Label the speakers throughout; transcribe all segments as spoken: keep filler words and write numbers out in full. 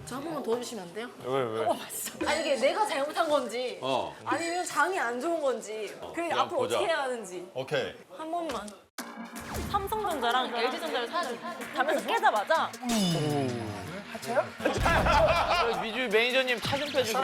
Speaker 1: 저 한 번만 도와주시면 안 돼요?
Speaker 2: 왜 왜?
Speaker 1: 어, 맞어. 아니 이게 내가 잘못한 건지
Speaker 3: 어.
Speaker 1: 아니면 장이 안 좋은 건지 그냥
Speaker 3: 그냥
Speaker 1: 앞으로
Speaker 3: 보자.
Speaker 1: 어떻게 해야 하는지
Speaker 3: 오케이.
Speaker 1: 한 번만. 삼성전자랑 엘지전자를 사야지. 가면서 깨자마자
Speaker 2: 미주 매니저님 차 좀 빼주고.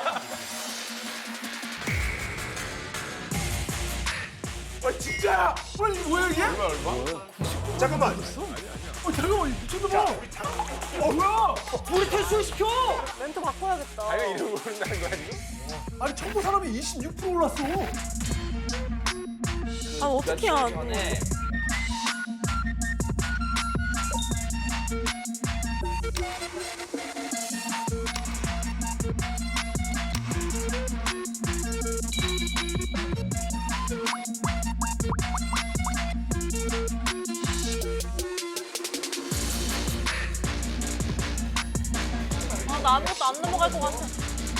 Speaker 4: 아 진짜야? 아니 뭐야 이게? 얼마 얼마? 잠깐만. 어 잠깐만 미쳤나 봐. 어 뭐야? 우리 퇴출시켜.
Speaker 1: 멘트 바꿔야겠다.
Speaker 2: 자기가 이름 모른다는 거야 지금?
Speaker 4: 아니 청구 사람이 이십육 퍼센트 올랐어.
Speaker 1: 아 어떻게 해야
Speaker 2: 네.
Speaker 1: 아, 나 아무것도 안 넘어갈 것 같아.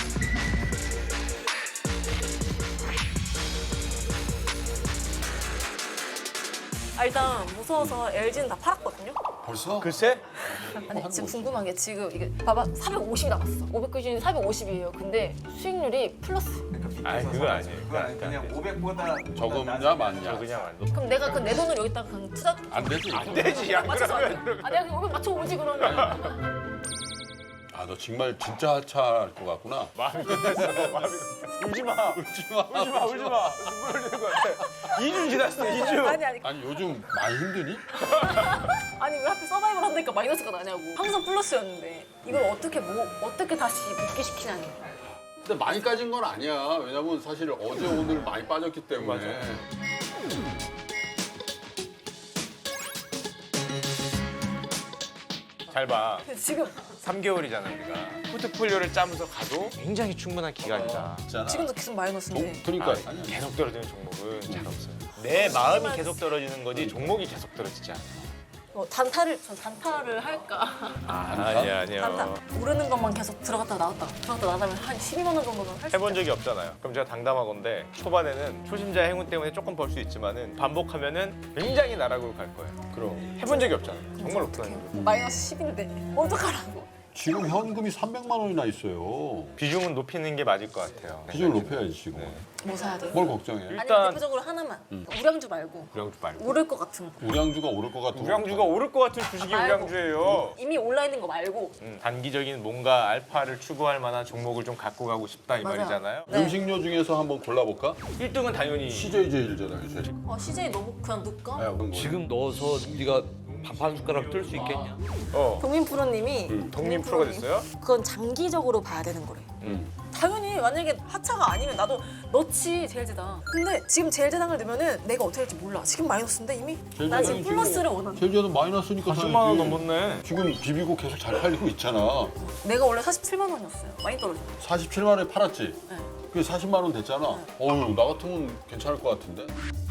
Speaker 1: 아, 일단 무서워서 엘지는 다 팔았거든요.
Speaker 3: 벌써?
Speaker 2: 글쎄?
Speaker 1: 아니 지금 궁금한 게 지금 이게 봐봐 사백오십이 남았어. 오백 기준 사백오십이에요. 근데 수익률이 플러스.
Speaker 2: 아니 그건 아니에요.
Speaker 5: 그건 아니, 그냥 오백보다
Speaker 3: 적음냐 많냐?
Speaker 2: 그냥 안
Speaker 1: 그럼 내가 그 내 돈을 여기다가 그냥 투자
Speaker 3: 안 되지.
Speaker 2: 안 되지. 안
Speaker 1: 맞춰서 안 돼?
Speaker 2: 그러면.
Speaker 1: 아 내가 그냥 오백 맞춰 오지 그러면.
Speaker 3: 아, 너 정말 진짜 하차할 것 같구나.
Speaker 2: 마음이 끝났어. 마음이 울지 마.
Speaker 3: 울지 마.
Speaker 2: 울지 마. 울지 마. 눈물 흘리는 것 같아. 이 주 지났어. 이 주.
Speaker 1: 아니 아니
Speaker 3: 아니 요즘 많이 힘드니?
Speaker 1: 아니 왜 하필 서바이벌 한다니까 마이너스가 나냐고. 항상 플러스였는데 이걸 어떻게 뭐 어떻게 다시 복귀시키냐니.
Speaker 3: 근데 많이 까진 건 아니야. 왜냐면 사실 어제 오늘 많이 빠졌기 때문에.
Speaker 2: 잘 봐.
Speaker 1: 근데 지금
Speaker 2: 삼 개월이잖아 우리가. 포트폴리오를 짜면서 가도 굉장히 충분한 기간이다.
Speaker 3: 있잖아.
Speaker 1: 지금도 계속 마이너스인데.
Speaker 3: 동- 그러니까
Speaker 2: 아,
Speaker 3: 아니,
Speaker 2: 계속 떨어지는 종목은 잘 없어요. 내 마음이 계속 떨어지는 거지 종목이 계속 떨어지지 않아.
Speaker 1: 뭐 단타를 전 단타를 할까?
Speaker 2: 아니야 아니야.
Speaker 1: 단타 오르는 것만 계속 들어갔다 나왔다 들어갔다 나가면 한 십이만 원 정도는 할 수
Speaker 2: 해본
Speaker 1: 있어요.
Speaker 2: 적이 없잖아요. 그럼 제가 당담하건데 초반에는 초심자 행운 때문에 조금 벌 수 있지만은 반복하면은 굉장히 나락으로 갈 거예요.
Speaker 3: 그럼.
Speaker 2: 해본 적이 없잖아요. 정말 없다는 거.
Speaker 1: 마이너스 십인데 어떡하라고.
Speaker 3: 지금 현금이 삼백만 원이나 있어요.
Speaker 2: 비중은 높이는 게 맞을 것 같아요.
Speaker 3: 비중을 높여야지 지금.
Speaker 1: 뭐 사야 돼?
Speaker 3: 뭘 걱정해?
Speaker 1: 아니
Speaker 2: 일단-
Speaker 1: 대표적으로 하나만 우량주 말고
Speaker 2: 우량주 말고.
Speaker 1: 오를 것 같은 거.
Speaker 3: 우량주가 오를 것 같은
Speaker 2: 우량주가 오를 것 같은 주식이
Speaker 1: 말고.
Speaker 2: 우량주예요.
Speaker 1: 이미 올라 있는 거 말고.
Speaker 2: 음, 단기적인 뭔가 알파를 추구할 만한 종목을 좀 갖고 가고 싶다 이
Speaker 1: 맞아요.
Speaker 2: 말이잖아요.
Speaker 1: 네.
Speaker 3: 음식료 중에서 한번 골라볼까?
Speaker 2: 일 등은 당연히
Speaker 3: 씨제이 제일잖아요. 제일.
Speaker 1: 어 씨제이 너무 그냥 넣을까?
Speaker 3: 야, 그럼 뭐.
Speaker 6: 지금 넣어서 네가 밥 한 숟가락 뜰 수 있겠냐?
Speaker 2: 어
Speaker 1: 동민 프로님이
Speaker 2: 독립 프로가 됐어요?
Speaker 1: 그건 장기적으로 봐야 되는 거래.
Speaker 3: 음.
Speaker 1: 당연히 만약에 하차가 아니면 나도 넣지 제일제당. 근데 지금 제일제당을 넣으면은 내가 어떻게 할지 몰라. 지금 마이너스인데 이미. 나 지금
Speaker 3: 제일제당이
Speaker 1: 플러스를 원하는.
Speaker 3: 제일제는 마이너스니까
Speaker 2: 십만 원
Speaker 3: 사야지.
Speaker 2: 넘었네.
Speaker 3: 지금 비비고 계속 잘 팔리고 있잖아.
Speaker 1: 내가 원래 사십칠만 원이었어요. 많이 떨어졌어.
Speaker 3: 사십칠만 원에 팔았지?
Speaker 1: 네.
Speaker 3: 그게 사십만 원 됐잖아. 어휴, 나 같으면 괜찮을 것 같은데?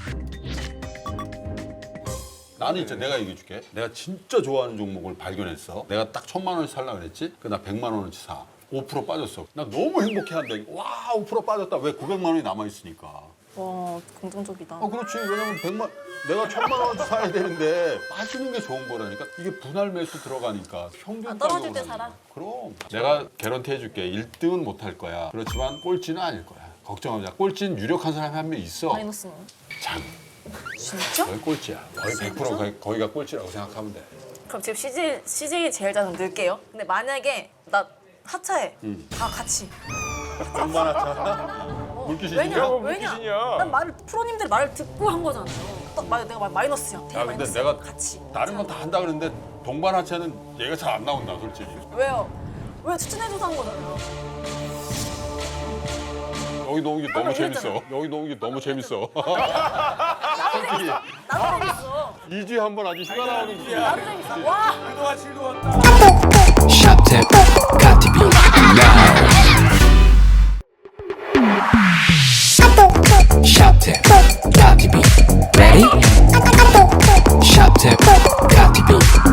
Speaker 3: 나는 이제 내가 얘기해 줄게. 내가 진짜 좋아하는 종목을 발견했어. 내가 딱 천만 원씩 살려고 그랬지? 그 나 백만 원어치 사. 오 퍼센트 빠졌어. 나 너무 행복해한다. 와, 오 퍼센트 빠졌다. 왜 구백만 원이 남아있으니까.
Speaker 1: 와 긍정적이다.
Speaker 3: 어, 그렇지. 왜냐면 백만, 내가 천만 원어치 사야 되는데 빠지는 게 좋은 거라니까. 이게 분할 매수 들어가니까 평균
Speaker 1: 아, 떨어질
Speaker 3: 가격으로
Speaker 1: 때
Speaker 3: 하는
Speaker 1: 사라?
Speaker 3: 거야. 그럼. 내가 개런티 해줄게. 일 등은 못 할 거야. 그렇지만 꼴찌는 아닐 거야. 걱정하지 마. 꼴찌는 유력한 사람이 한 명 있어.
Speaker 1: 마이너스는.
Speaker 3: 장.
Speaker 1: 진짜?
Speaker 3: 거의 꼴찌야. 거의 백 퍼센트 거의, 거기가 꼴찌라고 생각하면 돼.
Speaker 1: 그럼 지금 씨제이, 씨제이 제일제당 넣을게요. 근데 만약에 나 하차해. 다 같이.
Speaker 3: 얼마나 차? 물귀신이야?
Speaker 1: 왜냐?
Speaker 2: 뭐
Speaker 1: 왜냐?
Speaker 2: 물귀신이야.
Speaker 1: 난 말을 프로님들 말을 듣고 한 거잖아요. 딱 말, 내가 말 마이너스야.
Speaker 3: 야, 근데
Speaker 1: 마이너스.
Speaker 3: 내가
Speaker 1: 같이.
Speaker 3: 다른 건 다 한다 그러는데 동반 하차는 얘가 잘 안 나온다, 솔직히.
Speaker 1: 왜요? 왜 추천해줘서 한 거잖아요.
Speaker 3: 여기 놓은 게 너무
Speaker 1: 아까
Speaker 3: 재밌어.
Speaker 1: 이랬잖아.
Speaker 3: 여기 놓은 게 너무 재밌어.
Speaker 1: 나도 재밌어. 나도 재밌어.
Speaker 3: 이 주에 한 번 아주 휴가 나오는 게.
Speaker 1: 나도 재밌어. 와.
Speaker 7: Shop tip, got to be loud. Shop tip, got to be ready. Shop tip, got to be